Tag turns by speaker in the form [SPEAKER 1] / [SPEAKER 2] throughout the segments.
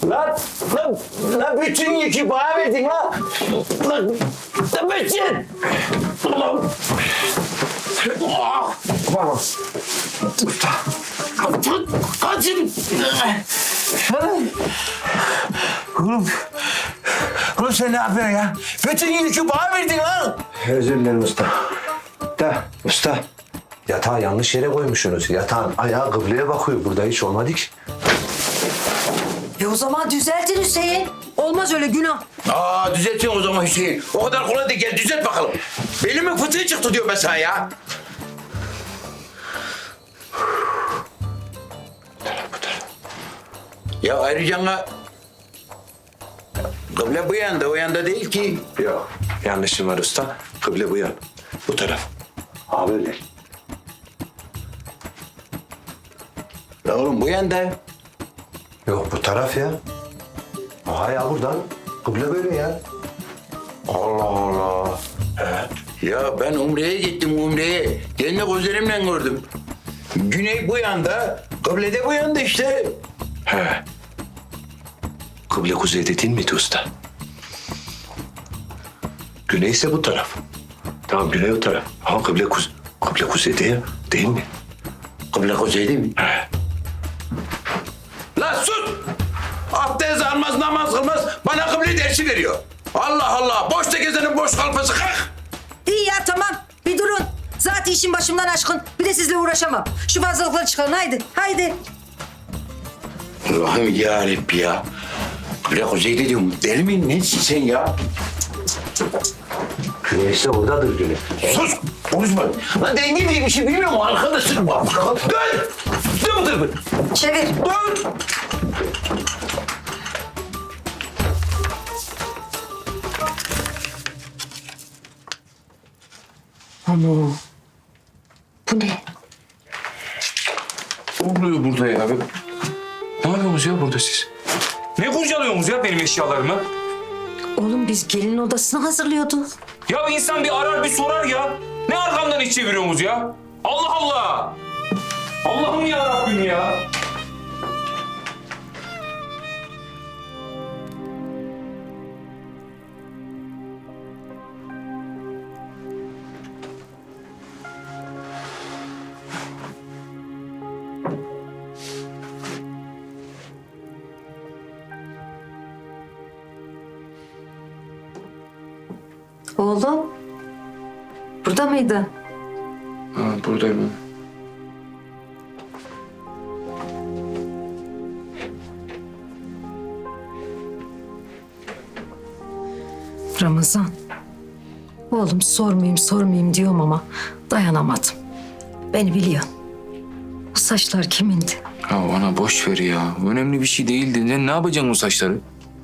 [SPEAKER 1] Lan bütün yükü bana verdin lan. Lan bütün. Ulan. Baba. Kaçın. Oğlum sen ne yapıyorsun ya? Bütün yükü bana verdin lan.
[SPEAKER 2] Özür dilerim usta. Usta. Yatağı yanlış yere koymuşsunuz. Yatağın ayağı kıbleye bakıyor. Burada hiç olmadı ki.
[SPEAKER 3] O zaman düzeltin Hüseyin. Olmaz öyle günah.
[SPEAKER 1] Düzeltin o zaman Hüseyin. O kadar kolay değil. Gel düzelt bakalım. Belimin fıtığı çıktı diyor mesela ya. Ya ayrıca kıble bu yanda, o yanda değil ki.
[SPEAKER 2] Yok. Yanlışım var usta. Kıble bu yan. Bu taraf. Ha böyle.
[SPEAKER 1] Ya oğlum bu yanda.
[SPEAKER 2] Yok bu taraf ya. Aha ya buradan. Kıble böyle ya.
[SPEAKER 1] Allah Allah. Ya ben Umre'ye gittim Umre'ye. Kendi gözlerimle gördüm. Güney bu yanda, kıble de bu yanda işte.
[SPEAKER 2] He. Kıble kuzeyde değil miydi usta? Güney ise bu taraf. Tamam güney o taraf. Ama kıble kuzeyde ya. Değil mi?
[SPEAKER 1] Kıble kuzey değil mi?
[SPEAKER 2] He.
[SPEAKER 1] Lan sus! Abdest almaz, namaz kılmaz, bana kıble dersi veriyor. Allah Allah, boşta gezenin boş kalfası kalk.
[SPEAKER 3] İyi ya tamam. Bir durun. Zaten işin başımdan aşkın. Bir de sizle uğraşamam. Şu fazlalıkları çıkarın haydi. Haydi.
[SPEAKER 1] Allah'ım yarabbim ya. Kıble kuzeyde diyorum, deli miyim nesin sen ya?
[SPEAKER 2] Güney ise buradadır güney.
[SPEAKER 1] Sus! Konuşma. Lan denge diye bir şey bilmiyor mu? Arkadaşım var. Dön! Dur!
[SPEAKER 3] Çevir.
[SPEAKER 1] Dur!
[SPEAKER 3] Ama bu ne?
[SPEAKER 4] Ne oluyor burada ya? Ne yapıyorsunuz ya burada siz? Ne kurcalıyorsunuz ya benim eşyalarımı?
[SPEAKER 3] Oğlum biz gelin odasını hazırlıyorduk.
[SPEAKER 4] Ya insan bir arar bir sorar ya. Ne arkamdan iş çeviriyorsunuz ya? Allah Allah! Allah'ım ya Rabbim ya!
[SPEAKER 3] Oğlum. Burada mıydı?
[SPEAKER 4] Ha, buradayım.
[SPEAKER 3] Ramazan. Oğlum sormayayım diyorum ama dayanamadım. Beni biliyorsun. Bu saçlar kimindi?
[SPEAKER 4] Ya ana boş ver ya. Önemli bir şey değildi. Ne yapacaksın o saçları?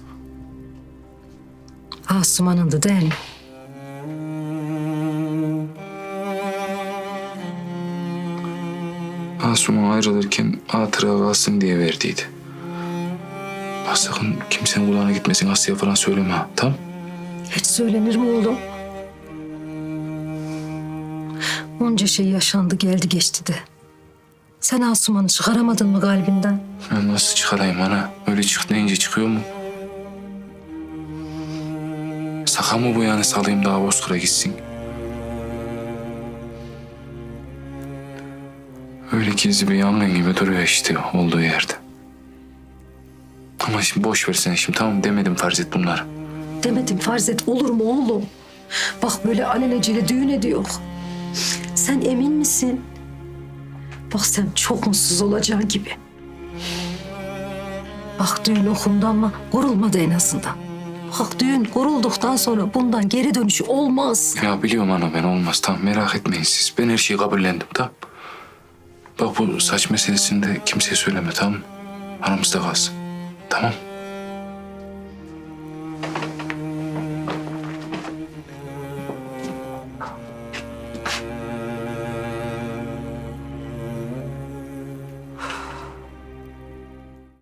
[SPEAKER 3] Asuman'ındı değil mi?
[SPEAKER 4] Asuman ayrılırken hatıra kalsın diye verdiydi. Bak sakın kimsenin kulağına gitmesin, Asya'ya falan söyleme ha, tamam?
[SPEAKER 3] Hiç söylenir mi oğlum? Onca şey yaşandı geldi geçti de. Sen Asuman'ı çıkaramadın mı kalbinden?
[SPEAKER 4] Ben nasıl çıkarayım ana? Öyle çık deyince çıkıyor mu? Saka mı bu yani salayım daha Bozkır'a gitsin? Öyle gizli bir yangın gibi duruyor işte olduğu yerde. Ama şimdi boş versene şimdi tamam demedim farz et bunları.
[SPEAKER 3] Demedim farz et olur mu oğlum? Bak böyle alelacele düğün ediyor. Sen emin misin? Bak sen çok mutsuz olacaksın gibi. Bak düğün okundu ama kurulmadı en azından. Bak düğün kurulduktan sonra bundan geri dönüşü olmaz.
[SPEAKER 4] Ya biliyorum ana ben olmaz tamam merak etmeyin siz. Ben her şeyi kabullendim tamam. Bak bu saç meselesini de kimseye söyleme tamam mı? Aramızda kalsın. Tamam.